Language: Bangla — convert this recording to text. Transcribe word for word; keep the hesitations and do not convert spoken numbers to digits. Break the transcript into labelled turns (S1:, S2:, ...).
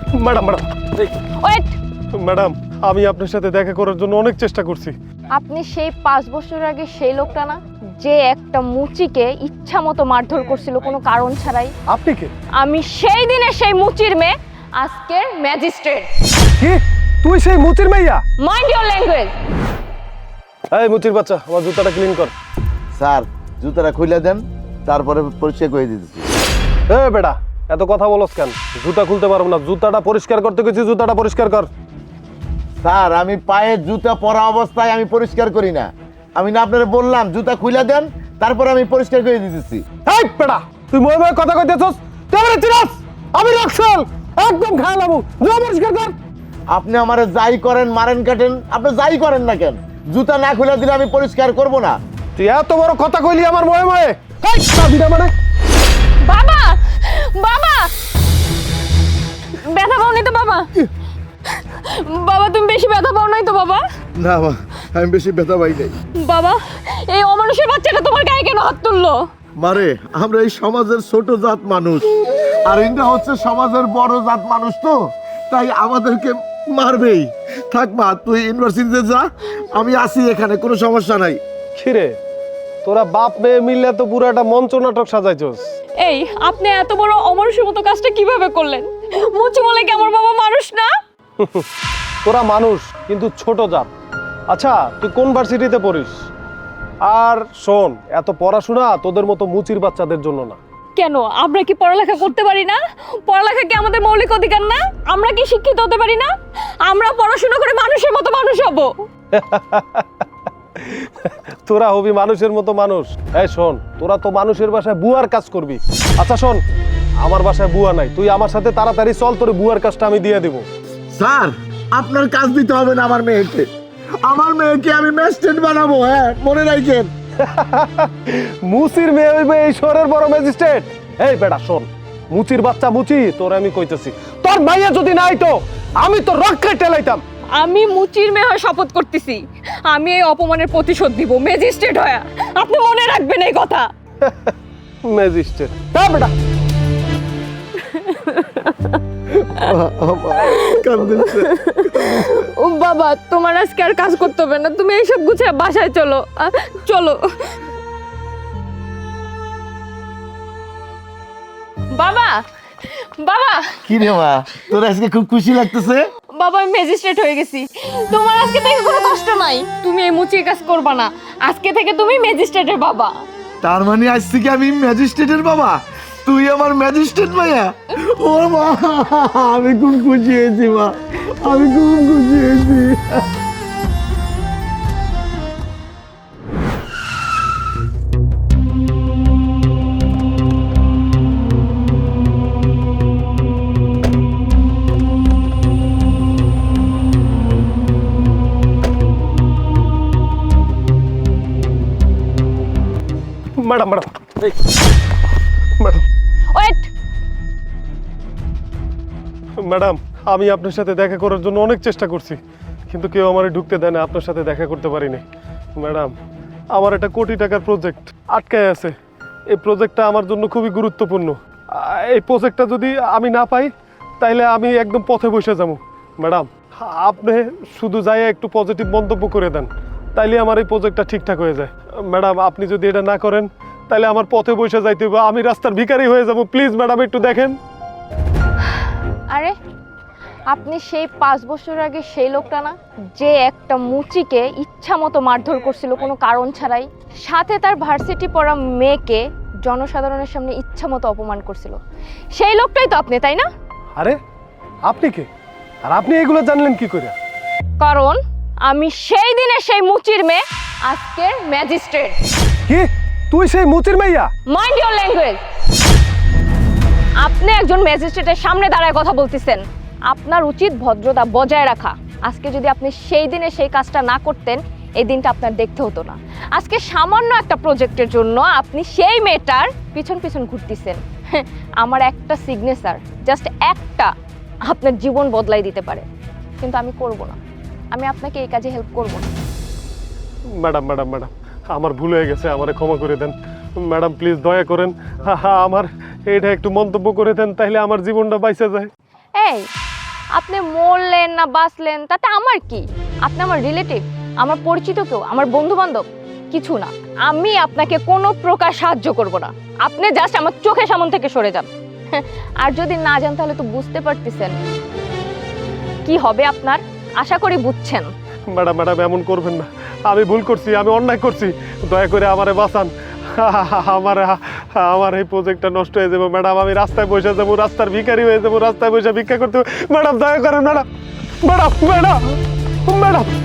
S1: ম্যাডাম ম্যাডাম
S2: ওয়েট,
S1: ম্যাডাম আমি আপনার সাথে দেখা করার জন্য অনেক চেষ্টা করছি।
S2: আপনি সেই পাঁচ বছর আগে সেই লোকটা না, যে একটা মুচিকে ইচ্ছা মতো মারধর করছিল কোনো কারণ ছাড়াই?
S1: আপনি কে?
S2: আমি সেই দিনে সেই মুচির মেয়ে, আজকের ম্যাজিস্ট্রেট।
S1: কি তুই সেই মুচির মাইয়া?
S2: Mind your language.
S1: এই মুচির বাচ্চা, আমার জুতাটা ক্লিন কর।
S3: স্যার জুতাটা খুলে দেন, তারপরে পরিষ্কার করে দিতেছি।
S1: এ বেটা, এত কথা বলস কেন? জুতা খুলতে পারবো না, জুতাটা পরিষ্কার করতে গেছি, জুতাটা পরিষ্কার কর।
S3: স্যার আমি পায়ে জুতা পরা অবস্থায় আমি পরিষ্কার করি না। আমি না আপনারা বললাম জুতা খুলে দেন, তারপরে আমি পরিষ্কার করে দিতেছি।
S1: এই বেটা, তুই মনে মনে কথা কইতেছস? তুই আমারে চিনাস? আমি রাখছাল একদম খাইলামু, জুতা পরিষ্কার কর।
S3: আপনি আমারে যাই করেন, মারেন কাটেন, আপনি যাই করেন না কেন, জুতা না খুলে দিলে আমি পরিষ্কার করব না।
S1: তুই এত বড় কথা কইলি আমার ময়ে ময়ে? এই সাবিনা মানে
S2: বাবা, বাবা, ব্যথা পাও নাই তো বাবা? বাবা তুমি বেশি ব্যথা পাও নাই তো বাবা?
S3: না মা, আমি বেশি ব্যথা পাই নাই।
S2: বাবা, এই অমানুষের বাচ্চাটা তোমার গায়ে কেন হাত তুললো?
S3: মারে, আমরা এই সমাজের ছোট জাত মানুষ, আর ইন্দ্রা হচ্ছে সমাজের বড় জাত মানুষ, তো তাই আমাদেরকে মারবেই। থাক মা, তুই ইউনিভার্সিটিতে যা, আমি আসি এখানে, কোনো সমস্যা নাই।
S1: খিরে, তোরা বাপ মেয়ে মিললে তো পুরো একটা মঞ্চ নাটক সাজাইছস।
S2: এই আপনি এত বড় অমানুষের মতো কাজটা কিভাবে করলেন? মুচি বলে কি আমার বাবা মানুষ না?
S1: তোরা মানুষ কিন্তু ছোট জাত। আচ্ছা তুই কোন ভার্সিটিতে পড়িস? আর শোন, এত পড়াশোনা তোদের মতো মুচির বাচ্চাদের জন্য না।
S2: কেন, আমরা কি পড়ালেখা করতে পারি না? পড়ালেখা কি আমাদের মৌলিক অধিকার না? আমরা কি শিক্ষিত হতে পারি না? আমরা পড়াশোনা করে মানুষের মতো মানুষ হব।
S1: তোরা হবি মানুষের মতো মানুষ? এই শোন, তোরা তো মানুষের বাসায় বুয়ার কাজ করবি। আচ্ছা শোন, আমার বাসায় বুয়া নাই, তুই আমার সাথে তাড়াতাড়ি চল, তোর বুয়ার কাজটা আমি দিয়ে দিব।
S3: স্যার আপনার কাজ দিতে হবে না আমার মেয়েকে, আমার মেয়েকে আমি ম্যাজিস্ট্রেট বানাবো। হ্যাঁ মনে রাখেন।
S1: মুচির মেয়ে হইবে এই শহরের বড় ম্যাজিস্ট্রেট? এই বেটা শোন, মুচির বাচ্চা মুচি, তোর আমি কইতেছি, তোর মাইয়া যদি নাই তো আমি তো রক্ষায় টেলাইতাম।
S2: আমি মুচির মেয়ে হয়ে শপথ করতেছি, আমি এই অপমানের প্রতিশোধ দিব ম্যাজিস্ট্রেট হয়ে। আপনি মনে রাখবেন এই কথা।
S1: ম্যাজিস্ট্রেট হ্যাঁ বেটা।
S2: ও বাবা, তোমার আজকে আর কাজ করতে হবে না, তুমি এইসব গুছিয়ে বাসায় চলো। আহ, চলো বাবা। বাবা,
S3: কি রে মা, তোর আজকে খুব খুশি লাগতেছে?
S2: বাবা আমি ম্যাজিস্ট্রেট হয়ে গেছি, তোমার আজকে থেকে কোনো কষ্ট নাই। তুমি এই মুচির কাজ করবা না, আজকে থেকে তুমি ম্যাজিস্ট্রেটের বাবা।
S3: তার মানে আজ থেকে আমি ম্যাজিস্ট্রেটের বাবা, তুই আমার ম্যাজিস্ট্রেট মাইয়া। ও মা, আমি খুব খুশি হয়েছি মা, আমি খুব খুশি হয়েছি।
S1: ম্যাডাম ম্যাডাম এই ম্যাডাম
S2: ওয়েট,
S1: ম্যাডাম আমি আপনার সাথে দেখা করার জন্য অনেক চেষ্টা করছি, কিন্তু কেউ আমারে ঢুকতে দেয় না, আপনার সাথে দেখা করতে পারিনি। ম্যাডাম আমার একটা কোটি টাকার প্রজেক্ট আটকায় আছে, এই প্রজেক্টটা আমার জন্য খুবই গুরুত্বপূর্ণ। আহ, এই প্রজেক্টটা যদি আমি না পাই তাইলে আমি একদম পথে বসে যাবো। ম্যাডাম আপনি শুধু যাই একটু পজিটিভ মন্তব্য করে দেন, তাইলে আমার এই প্রজেক্টটা ঠিকঠাক হয়ে যায়। ম্যাডাম আপনি যদি এটা না করেন তাহলে আমার পথে বসে যাইতে হবে, আমি রাস্তার ভিখারি হয়ে যাব। প্লিজ ম্যাডাম একটু দেখেন।
S2: আরে আপনি সেই পাঁচ বছর আগে সেই লোকটা না, যে একটা মুচিকে ইচ্ছা মতো মারধর করছিল কোনো কারণ ছাড়াই, সাথে তার ভার্সিটি পড়া মেয়েকে জনসাধারণের সামনে ইচ্ছা মতো অপমান করছিল? সেই লোকটাই তো আপনি, তাই না?
S1: আরে আপনি কে, আর আপনি এগুলো জানলেন কি করে?
S2: কারণ আমি সেই দিনে সেই মুচির মেয়ে, আজকের ম্যাজিস্ট্রেট।
S1: কি তুই সেই মুচির মাইয়া?
S2: Mind your language. আপনি একজন ম্যাজিস্ট্রেটের সামনে দাঁড়ায় কথা বলতেছেন, আপনার উচিত ভদ্রতা বজায় রাখা। আজকে যদি আপনি সেই দিনে সেই কাজটা না করতেন, এই দিনটা আপনার দেখতে হতো না। আজকে সামান্য একটা প্রজেক্টের জন্য আপনি সেই মেয়েটার পিছন পিছন ঘুরতেছেন। আমার একটা সিগনেচার, জাস্ট একটা, আপনার জীবন বদলাই দিতে পারে, কিন্তু আমি করব না। আমি আপনাকে এই কাজে হেল্প করব না।
S1: ম্যাডাম ম্যাডাম ম্যাডাম আমার ভুল হয়ে গেছে, আমারে ক্ষমা করে দেন ম্যাডাম, প্লিজ দয়া করেন। হা হা আমার এইটা একটু মন্তব্য করে দেন, তাইলে আমার জীবনটা বাইসে যায়।
S2: এই আপনি মরলেন না বাঁচলেন তাতে আমার কি? আপনি আমার রিলেটিভ, আমার পরিচিত কেউ, আমার বন্ধু বান্ধব কিছু না। আমি আপনাকে কোনো প্রকার সাহায্য করব না। আপনি জাস্ট আমার চোখের সামনে থেকে সরে যান। আর যদি না যান তাহলে তো বুঝতে পারতেছেন কি হবে আপনার। আশা করি বুঝছেন।
S1: ম্যাডাম ম্যাডাম এমন করবেন না, আমি ভুল করছি, আমি অন্যায় করছি, দয়া করে আমারে বাঁচান। আমার আমার এই প্রজেক্টটা নষ্ট হয়ে যাবো ম্যাডাম, আমি রাস্তায় বসে যাবো, রাস্তার ভিখারি হয়ে যাবো, রাস্তায় বসে ভিক্ষা করতে হবে। ম্যাডাম দয়া করেন ম্যাডাম, ম্যাডাম ম্যাডাম ম্যাডাম